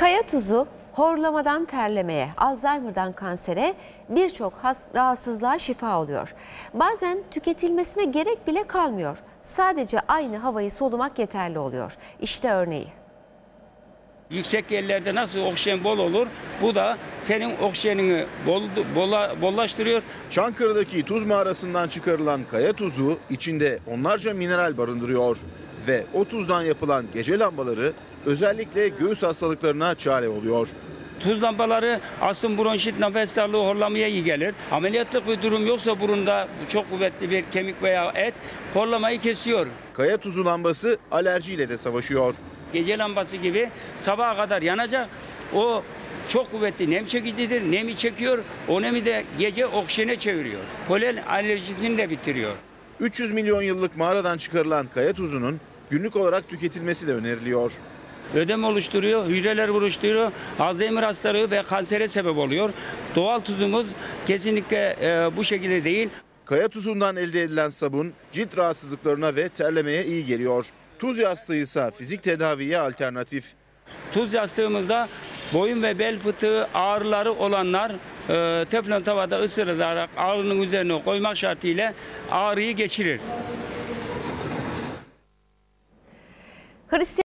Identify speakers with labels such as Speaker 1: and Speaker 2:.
Speaker 1: Kaya tuzu horlamadan terlemeye, Alzheimer'dan kansere birçok rahatsızlığa şifa oluyor. Bazen tüketilmesine gerek bile kalmıyor. Sadece aynı havayı solumak yeterli oluyor. İşte örneği.
Speaker 2: Yüksek yerlerde nasıl oksijen bol olur, bu da senin oksijenini bollaştırıyor.
Speaker 3: Çankırı'daki tuz mağarasından çıkarılan kaya tuzu içinde onlarca mineral barındırıyor. Ve o tuzdan yapılan gece lambaları özellikle göğüs hastalıklarına çare oluyor.
Speaker 2: Tuz lambaları astım, bronşit, nefes darlığı, horlamaya iyi gelir. Ameliyatlık bir durum yoksa burunda çok kuvvetli bir kemik veya et horlamayı kesiyor.
Speaker 3: Kaya tuzu lambası alerjiyle de savaşıyor.
Speaker 2: Gece lambası gibi sabaha kadar yanacak. O çok kuvvetli nem çekicidir. Nemi çekiyor. O nemi de gece oksijene çeviriyor. Polen alerjisini de bitiriyor.
Speaker 3: 300 milyon yıllık mağaradan çıkarılan kaya tuzunun günlük olarak tüketilmesi de öneriliyor.
Speaker 2: Ödem oluşturuyor, hücreler oluşturuyor, Alzheimer hastalığı ve kansere sebep oluyor. Doğal tuzumuz kesinlikle bu şekilde değil.
Speaker 3: Kaya tuzundan elde edilen sabun cilt rahatsızlıklarına ve terlemeye iyi geliyor. Tuz yastığı ise fizik tedaviye alternatif.
Speaker 2: Tuz yastığımızda boyun ve bel fıtığı ağrıları olanlar teflon tavada ısırarak ağrının üzerine koymak şartıyla ağrıyı geçirir.